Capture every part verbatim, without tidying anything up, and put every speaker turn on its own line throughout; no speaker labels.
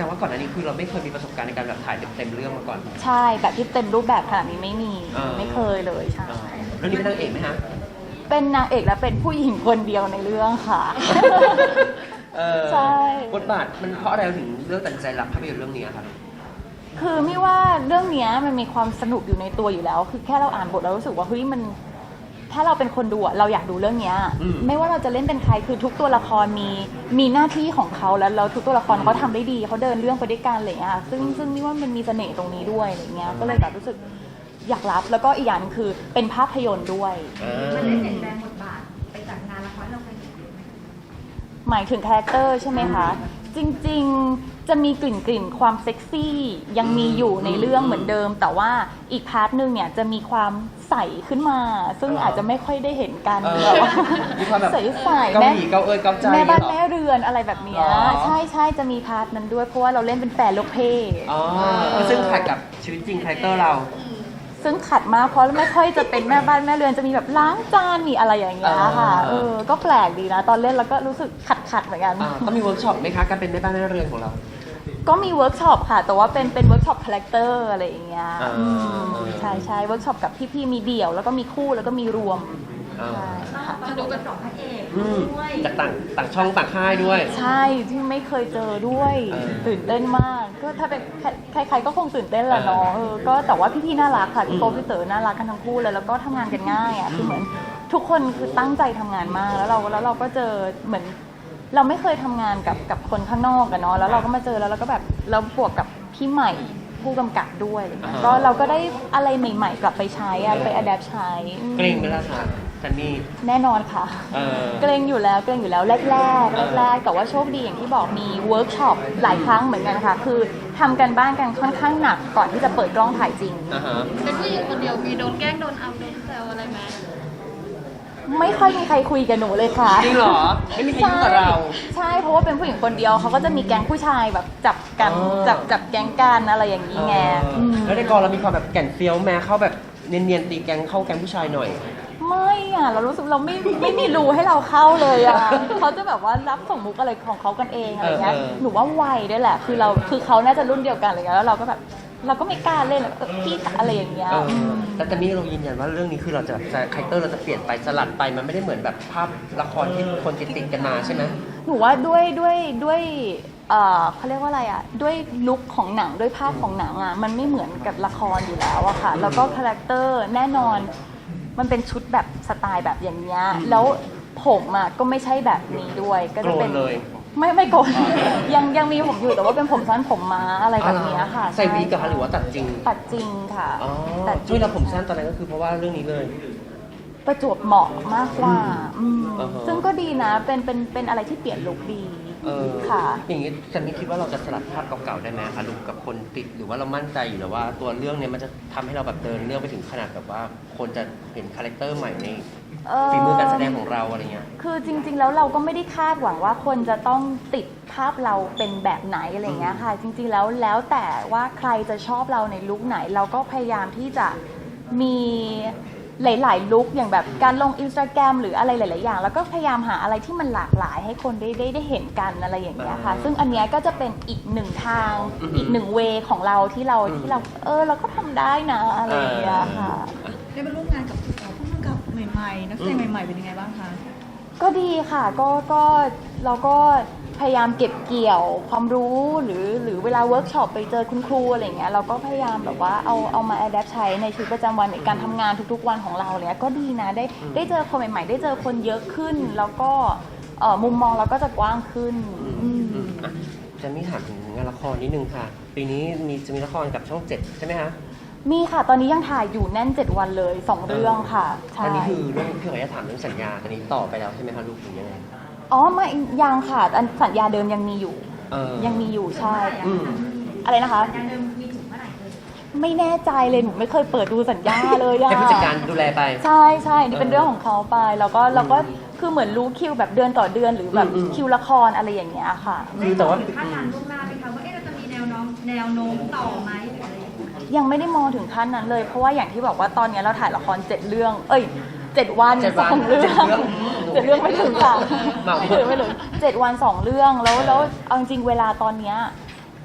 แต่ว่าก่อนหน้านี้คือเราไม่เคยมีประสบการณ์ในการแบบถ่ายเต็มๆเรื่องมาก่อน
ใช่แบบที่เต็มรูปแบบขนาดนี้ไม่มีไม่เคยเลยใช่
เรื่องนี้เป็นนางเอกไหมฮะ
เป็นนางเอกและเป็นผู้หญิงคนเดียวในเรื่องค่ะใช่
บทบาทมันเพราะอะไรถึงเลือกตัดใจรับภาพยนตร์เรื่องนี้ครับ
คือไม่ว่าเรื่องนี้มันมีความสนุกอยู่ในตัวอยู่แล้วคือแค่เราอ่านบทเรารู้สึกว่าเฮ้ยมันถ้าเราเป็นคนดูอะเราอยากดูเรื่องนี้ไม่ว่าเราจะเล่นเป็นใครคือทุกตัวละครมีมีหน้าที่ของเขาแล้วแล้วทุกตัวละครเขาทำได้ดีเขาเดินเรื่องไปด้วยกันอะไรอย่างเงี้ยซึ่งซึ่งนี่ว่ามันมีเสน่ห์ตรงนี้ด้วยอะไรเงี้ยก็เลยแบบรู้สึกอยากรับแล้วก็อีกอย่างนึงคือเป็นภาพยนตร์ด้วย
มันได้เปลี่ยนแปลงบทบาทไปจากงานละครเราเคยเห็นไหม
หมายถึงคาแรคเตอร์ใช่ไหมคะจริงๆจะมีกลิ่นกลิ่นความเซ็กซี่ยังมีอยู่ในเรื่องเหมือนเดิมแต่ว่าอีกพาร์ทนึงเนี่ยจะมีความใสขึ้นมาซึ่งอาจจะไม่ค่อยได้เห็นกันใสใสแม่
เกาเอ้ยเกาใจ
แม่บ้านแม่เรือนอะไรแบบนี้ใช่ใช่จะมีพาร์ทนั้นด้วยเพราะว่าเราเล่นเป็นแฟนโลกเพ่
ซึ่งขัดกับชีวิตจริงคาแรคเตอร์เรา
ซึ่งขัดมากเพราะไม่ค่อยจะเป็นแม่บ้านแม่เรือนจะมีแบบล้างจานมีอะไรอย่างเงี้ยค่ะเออก็แปลกดีนะตอนเล่นแล้วก็รู้สึกขัดขัดเหมือนกัน
ต้องมีเวิร์กช็อปไหมคะการเป็นแม่บ้านแม่เรือนของเรา
ก็มีเวิร์กช็อปค่ะแต่ว่าเป็นเป็นเวิร์กช็อปคาแรคเตอร์อะไรอย่างเงี้ยใช่ใช่เวิร์กช็อปกับพี่ๆมีเดี่ยวแล้วก็มีคู่แล้วก็มีรวม
ใช่ค่ะมาดูกันสองพระเอกด้วย
จากต่างต่างช่องต่างค่ายด้วย
ใช่ที่ไม่เคยเจอด้วยตื่นเต้นมากก็ถ้าเป็นใครๆก็คงตื่นเต้นแหละเนาะเออก็แต่ว่าพี่ๆน่ารักค่ะพี่โป๊ปพี่เต๋อน่ารักกันทั้งคู่เลยแล้วก็ทำงานกันง่ายอ่ะคือเหมือนทุกคนคือตั้งใจทำงานมากแล้วเราแล้วเราก็เจอเหมือนเราไม่เคยทำงานกับกับคนข้างนอกกันเนาะแล้วเราก็มาเจอแล้วเราก็แบบเราบวกกับพี่ใหม่ผู้กำกับด้วยก็เราก็ได้อะไรใหม่ๆกลับไปใช้อะไปอัดแอปใช้
เกรงไหมล่ะคะซันนี่
แน่นอนค่ะเกรงอยู่แล้วเกรงอยู่แล้วแรกๆแรกๆแต่ว่าโชคดีอย่างที่บอกมีเวิร์กช็อปหลายครั้งเหมือนกันค่ะคือทำกันบ้านกันค่อนข้างหนักก่อนที่จะเปิดกล้องถ่ายจริง
เป็นผู้หญิงคนเดียวมีโดนแกล้งโดนเอาโดนแซวอะไรไหม
ไม่ค่อยมีใครคุยกับหนูเลยค่ะ
จริงเหรอไม่มีใครยุ่งกับเรา
ใช่เพราะว่าเป็นผู้หญิงคนเดียวเขาก็จะมีแก๊งผู้ชายแบบจับกันจับจับแก๊งกันอะไรอย่างนี้ไง
แล้วในกองเรามีความแบบแก่นเฟี้ยวแม้เข้าแบบเนียนๆตีแก๊งเข้าแก๊งผู้ชายหน่อย
ไม่อ่ะเรารู้สึกเราไม่ไม่มีรูให้เราเข้าเลยอ่ะเขาจะแบบว่ารับส่งมุกอะไรของเขากันเองอะไรเงี้ยหนูว่าไวด้วยแหละคือเราคือเขาน่าจะรุ่นเดียวกันอะไรเงี้ยแล้วเราก็แบบเราก็ไม่กล้าเล่นพี่อะไรอย่างเงี้ย
แต่ตอนนี้เรายืนยันว่าเรื่องนี้คือเราจะคาแรคเตอร์เราจะเปลี่ยนไปสลัดไปมันไม่ได้เหมือนแบบภาพละครที่คนติดติดกันมาใช่ไหม
หนูว่าด้วยด้วยด้วยเอ่อเขาเรียกว่าอะไรอ่ะด้วยลุคของหนังด้วยภาพของหนังอ่ะมันไม่เหมือนกับละครอยู่แล้วอะค่ะแล้วก็คาแรคเตอร์แน่นอนมันเป็นชุดแบบสไตล์แบบอย่างเงี้ยแล้วผมอ่ะก็ไม่ใช่แบบนี้ด้วยก็จะเป็นไม่ไม่โกนยังยังมีผมอยู่แต่ว่าเป็นผมสั้นผมม้าอะไรแบบนี้ค่ะ
ใส่วีกับหรือว่าตัดจริง
ตัดจริงค่ะ
แต่ช่วยเราผมสั้นตอนนั้นก็คือเพราะว่าเรื่องนี้เลย
ประจวบเหมาะมากกว่าซึ่งก็ดีนะเป็นเป็นเป็นอะไรที่เปลี่ยนลุคดีค่ะ
อย่างนี้ฉันนี่คิดว่าเราจะสลัดภาพเก่าๆได้ไหมคะลุคกับคนติดหรือว่าเรามั่นใจอยู่แล้วว่าตัวเรื่องนี้มันจะทำให้เราแบบเดินเรื่องไปถึงขนาดแบบว่าคนจะเห็นคาแรคเตอร์ใหม่ในฝีมือการแสดงของเราอะไรเงี้ย
คือจริงๆแล้วเราก็ไม่ได้คาดหวังว่าคนจะต้องติดภาพเราเป็นแบบไหนอะไรเงี้ยค่ะจริงๆแล้วแล้วแต่ว่าใครจะชอบเราในลุคไหนเราก็พยายามที่จะมีหลายๆลุคอย่างแบบการลง Instagram หรืออะไรหลายๆอย่างแล้วก็พยายามหาอะไรที่มันหลากหลายให้คนได้ได้ได้เห็นกันอะไรอย่างเงี้ยค่ะซึ่งอันเนี้ยก็จะเป็นอีกหนึ่งทางอีกหนึ่งเวของเราที่เราที่เราเออเราก็ทำได้นะอะไรอย่างเงี้ยค่ะ
ได้มาร่วมงานกับผู้กำกับใหม่ๆนักแสดงใหม่ๆเป็นยังไงบ้างคะ
ก็ดีค่ะก็ก็เราก็พยายามเก็บเกี่ยวความรู้หรือหรือเวลาเวิร์กช็อปไปเจอคุณครูอะไรเงี้ยเราก็พยายามแบบว่าเอาเอามาอัดแอปใช้ในชีวิตประจำวันในการทำงานทุกๆวันของเราเลยก็ดีนะได้ได้เจอคนใหม่ๆได้เจอคนเยอะขึ้นแล้วก็มุมมองเราก็จะกว้างขึ้น
จะมีถามถึงงานละครนิดนึงค่ะปีนี้มีจะมีละครกับช่องเจ็ดใช่ไหมคะ
มีค่ะตอนนี้ยังถ่ายอยู่แน่นเจ็ดวันเลยสองเรื่องค่ะ
ใช่อันนี้คือเรื่องพี่ขออนุญาตถามเรื่องสัญญาตอนนี้ต่อไปแล้วใช่ไหมคะลูกหรือยังไง
อ๋อไม่ยังค่ะสัญญาเดิมยังมีอยู่ยังมีอยู่ใช่อะไรนะคะสัญญาเดิมมีถึงเมื่อไหร่เลยไม่แน่ใจเลยหนูไม่เคยเปิดดูสัญญาเลยอะ
ให้ผู้จัดการดูแลไป
ใช่ใช่นี่เป็นเรื่องของเขาไปแล้วก็เราก็คือเหมือนรู้คิวแบบเดือนต่อเดือนหรือแบบคิวละครอะไรอย่างเงี้ยค่ะ
คือแต่ว่าคาดการณ์ล่วงหน้าไหมคะว่าเอ๊ะเราจะมีแนวโน้มแนวโน้มต่อไหมหรืออะไร
ยังไม่ได้มองถึงขั้นนั้นเลยเพราะว่าอย่างที่บอกว่าตอนนี้เราถ่ายละครเจ็ดเรื่องเอ้ยเจ็ดวันสองเรื่องเจ็ดเรื่องไม่ถึงค่ะไม่ถึงไม่ถึงเจ็ดวันสองเรื่องแล้วแล้วเอาจริงเวลาตอนเนี้ยแท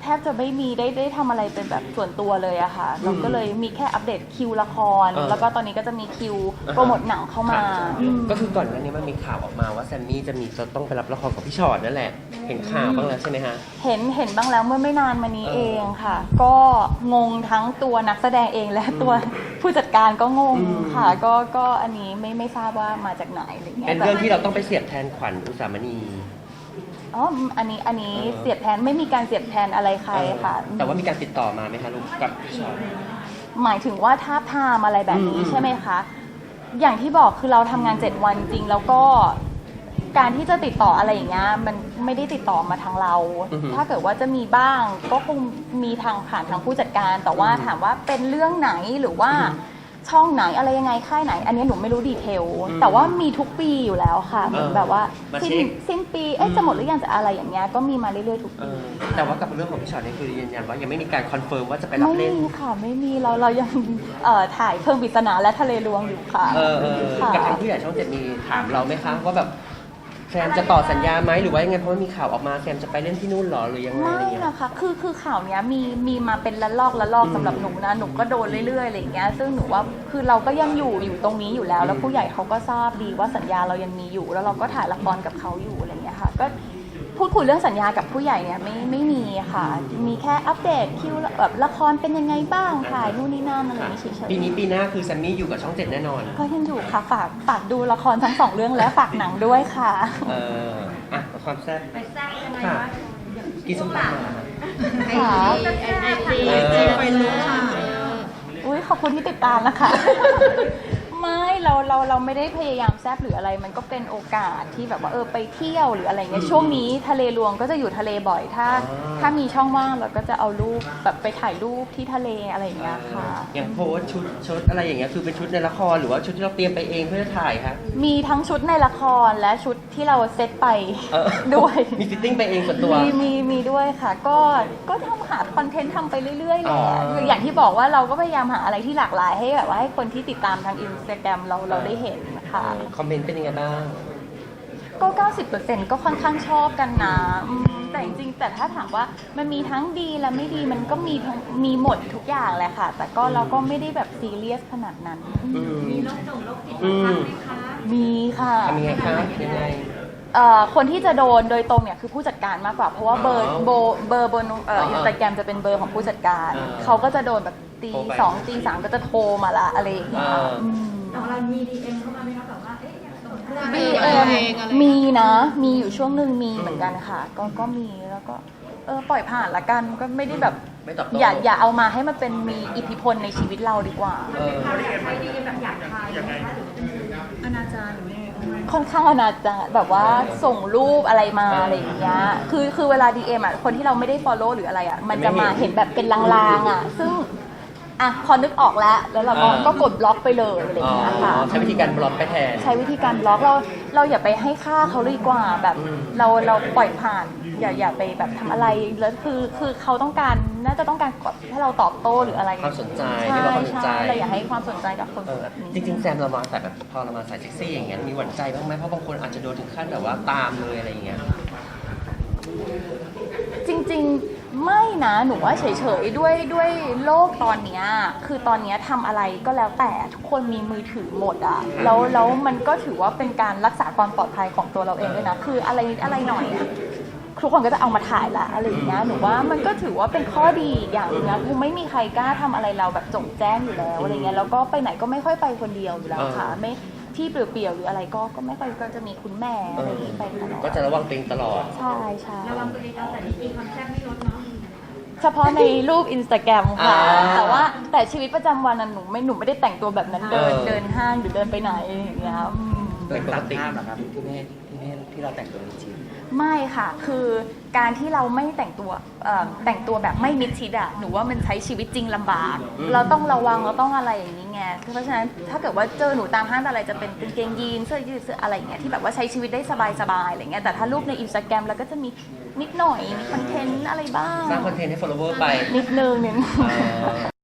บจะไม่มีได้ได้ทำอะไรเป็นแบบส่วนตัวเลยอะค่ะเราก็เลยมีแค่อัปเดตคิวละคร
เออ
แล้วก็ตอนนี้ก็จะมีคิวโปรโมทหนังเข้ามาอืม
ก็คือก่อนหน้านี้มันมีข่าวออกมาว่าแซมมี่จะมีจะต้องไปรับละครกับพี่ชอตนั่นแหละ เห็นข่าวบ้างแล้วใช่ไหมฮะ
เห็นเห็นบ้างแล้วเมื่อไม่นานมานี้
เออ
เองค่ะ ก็งงทั้งตัวนักแสดงเองและตัวผู้จัดการก็งง
อืม
ค่ะ ก็ก็อันนี้ไม่ไม่ทราบว่ามาจากไหนอะไรเงี้ย
เป็นเรื่องที่เราต้องไปเสียบแทนขวัญอุสามณี
อ๋ออันนี้อันนี้
เออ
เสียบแทนไม่มีการเสียบแทนอะไรใครค่ะ
แต่ว่ามีการติดต่อมาไหมคะลูกกับพี่ชอต
หมายถึงว่าทาบทามอะไรแบบนี้
อืม
ใช่ไหมคะ อย่างที่บอกคือเราทำงานเจ็ดวันจริงแล้วก็การที่จะติดต่ออะไรอย่างเงี้ยมันไม่ได้ติดต่อมาทางเรา
อือฮึ
ถ้าเกิดว่าจะมีบ้างก็คงมีทางผ่านทางผู้จัดการ แต่ว่าถามว่าเป็นเรื่องไหนหรือว่า
อืม
ช่องไหนอะไรยังไงค่ายไหน อันนี้หนูไม่รู้ดีเทล
อืม
แต่ว่ามีทุกปีอยู่แล้วค่ะเหมือน
เออ
แบบว่า
มา
สิ้น
เช็ค
สิ้นปีเอ๊ะ
อืม
จะหมดหรือยังจะอะไรอย่างเงี้ยก็มีมาเรื่อยๆทุก
เอ
ปี
อแต่ว่ากับเรื่องของพี่ชอตนี่คือยืนยันว่ายังไม่มีการคอนเฟิร์มว่าจะไปรับ
ไม่
เล่น
มีค่ะไม่มีเราเรายังเอ่อถ่ายเพิ่มปริศนาและทะเลลวงอยู่ค่ะ
เออเออ
ค่ะ
กับทางผู้ใหญ่ช่องเจ็ดมีถามเราไหมคะว่าแบบแซมจะต่อสัญญาไหมหรือว่ายังไงเพราะว่ามีข่าวออกมาแซมจะไปเล่นที่นู่นเหรอหรือยังไง
ไม่
อะไรเงี้ย
นะคะ คือ คือข่าวเนี้ยมี มีมาเป็นละลอกละลอก
อืม
สำหรับหนูนะ หนูก็โดนเรื่อยๆ อะไรอย่างเงี้ย ซึ่งหนูว่า คือเราก็ยังอยู่ อยู่ตรงนี้อยู่แล้ว แล้วผู้ใหญ่เขาก็ทราบดีว่าสัญญาเรายังมีอยู่ แล้วเราก็ถ่ายละครกับเขาอยู่อะไรอย่างเงี้ยค่ะ ก็พูดคุยเรื่องสัญญากับผู้ใหญ่เนี่ยไม่ ไม่มีค่ะ มีแค่อัปเดตคิวแบบละครเป็นยังไงบ้าง ถ่ายนู่นนี่นั่นอะไรอย่างเงี้ยเฉย
ปีนี้ปีหน้าคือแซมมี่อยู่กับช่องเจ็ดแน่นอน
ๆก็ยังอยู่ค่ะ ฝาก ฝากดูละครทั้งสองเรื่องและฝากหนังด้วยค่ะ
เอออ่ะความแซ่บ
ไปแซ่บยังไง
ค่ะ
วะ
กินส้มตำมา
ค่ะ
ไอจี
เออ
ไปรู้ค่ะ
อุ้ยขอบคุณที่ติดตามนะคะ ไม่เราเราเราไม่ได้พยายามแซบหรืออะไร มันก็เป็นโอกาสที่แบบว่าเออไปเที่ยวหรืออะไรเงี้ยช่วงนี้ทะเลรวงก็จะอยู่ทะเลบ่อยถ้า
อ๋อ
ถ้ามีช่องว่างเราก็จะเอารูปแบบไปถ่ายรูปที่ทะเลอะไรอย่างเงี้ยค่ะ
อย่างโพสต์ชุดชุดอะไรอย่างเงี้ยคือเป็นชุดในละครหรือว่าชุดที่เราเตรียมไปเองเพื่อถ่ายคะ
มีทั้งชุดในละครและชุดที่เราเซตไป
เออ
ด้วย
มีฟิตติ้งไปเองส่วนตัว
มีมีมีด้วยค่ะ ก็ก็ทำหาคอนเทนต์ทำไปเรื่อยๆแห
อ๋
ละ
อ
คืออย่างที่บอกว่าเราก็พยายามหาอะไรที่หลากหลายให้แบบว่าให้คนที่ติดตามทางอินสตาแกรมเราเราได้เห็นค่ะ
เออคอมเมนต์เป็นยังไงบ้าง
ก็ เก้าสิบเปอร์เซ็นต์ ก็ค่อนข้างชอบกันนะอืมแต่จริงๆ แต่ถ้าถามว่ามันมีทั้งดีและไม่ดีมันก็มีทั้งมีหมดทุกอย่างแหละค่ะ แต่ก็เราก็ไม่ได้แบบซีเรียสขนาดนั้น
อืม
มีโรคจงโรคจิต
อื
บ้าง
ม
ไหมคะ
มีค่ะ
ทำยังไงคะยังไง
เอ่อคนที่จะโดนโดยตรงเนี่ยคือผู้จัดการมากกว่า เพราะว่าเบอร์
อ๋อ
โบเบอร์บนเอ่อ
อ๋อ
อินสตาแกรมจะเป็นเบอร์ของผู้จัดการ
อ่า
เขาก็จะโดนแบบตี
โทรไป
สองตีสามก็จะโทรมาละอะไรอย่างเงี้ย
อ่า
อืม
ของเรามีดีเอ็มเข้ามาไหมคะแบบว่า เอ๊ะอยากส่งเรื่อง
ดีเอ็มมีนะ มีอยู่ช่วงหนึ่งมีเหมือนกันค่ะ ก็ก็มีแล้วก็เออปล่อยผ่านละกันก็ไม่ได้แบบ
ไม่ตอบโต้
อย่าอย่าเอามาให้มันเป็นมีอิทธิพลในชีวิตเราดีกว่า
เออ
เราอยากใช้ดีเอ็มแบบอยากทายไหมคะหรือเป็นอนาจารหรือยังไง
ค่อนข้างอนาจารแบบว่าส่งรูปอะไรมา
เอออ
อะไรอย่างเงี้ยคือคือเวลา ดี เอ็ม อ่ะคนที่เราไม่ได้ follow หรืออะไรอ่ะมันจะ
ไม่
มา
เห็น
เห็นแบบเป็นลางๆอ่ะ ซึ่งอ่ะพอนึกออกแล้ว แล้วเราก็
เออ
ก็กดบล็อกไปเลยอะไรอย่างเงี้ยค่ะ
ใช้วิธีการบล็อกไปแทน
ใช้วิธีการบล็อกเราเราอย่าไปให้ค่าเขาเลยดีกว่าแบบ
อืม
เราเราปล่อยผ่าน อย่าอย่าไปแบบทำอะไรแล้วคือคือเขาต้องการน่าจะต้องการกดให้เราตอบโต้หรืออะไร
ความสนใจ
ใช่
เรียกว่าความสนใจ
ใช่เราอย่าให้ความสนใจกับคน
เออ
แบบนี้
จริงๆแซมเรามาใส่แบบพอเรามาใส่เซ็กซี่อย่างเงี้ยมีหวั่นใจบ้างไหมเพราะบางคนอาจจะโดนถึงขั้นแบบว่าตามเลยอะไรอย่างเงี้ย
จริงๆไม่นะหนูว่าเฉยๆด้วยด้วยโลกตอนเนี้ยคือตอนเนี้ยทำอะไรก็แล้วแต่ทุกคนมีมือถือหมดอะแล้วแล้วมันก็ถือว่าเป็นการรักษาความปลอดภัยของตัวเราเองด้วยนะคืออะไรนิดอะไรหน่อยอะทุกคนก็จะเอามาถ่ายละอะไรอย่างเงี้ยหนูว่ามันก็ถือว่าเป็นข้อดีอีกอย่างหนึงนะคือไม่มีใครกล้าทำอะไรเราแบบจงแจ้งอยู่แล้วอะไรเงี้ยแล้วก็ไปไหนก็ไม่ค่อยไปคนเดียวอยู่แล้วค่ะไม่ที่เปลี่ยวๆหรืออะไรก็ก็ไม่ค่อยก็จะมีคุณแม่อะไรอย่างงี้ไปตลอด
ก็จะระวังตัวเองตลอด
ใช่ใช่
ระวังตัวเองเอาแต่ดีกีความแซ่บไม่ลดเนาะ
เฉพาะในรูปอินสตาแกรมค่ะ
อ่า
แต่ว่าแต่ชีวิตประจำวันน่ะหนูไม่หนูไม่ได้แต่งตัวแบบนั้นเดิน
เออ
เดินห้างหรือเดินไปไหนอย่างเงี้ยอืม
เป็นปกติ
ภาพเหรอครับที่ไม่ให้ที่ไม่ให้ที่เราแต่งตัวในจริง
ไม่ค่ะ คือการที่เราไม่แต่งตัวเอ่อแต่งตัวแบบไม่มิดชิดอะหนูว่ามันใช้ชีวิตจริงลำบาก
อืม
เราต้องระวังเราต้องอะไรอย่างนี้ไงเพราะฉะนั้นถ้าเกิดว่าเจอหนูตามห้างอะไรจะเป็นกางเกงยีนเสื้อยืดเสื้ออะไรอย่างเงี้ยที่แบบว่าใช้ชีวิตได้สบายๆอะไรเงี้ยแต่ถ้ารูปในอินสตาแกรมเราก็จะมีนิดหน่อยมีคอนเทนต์อะไรบ้าง
สร้างคอนเทนต์ให้ follower ไป
นิดนึงนึง
อ่า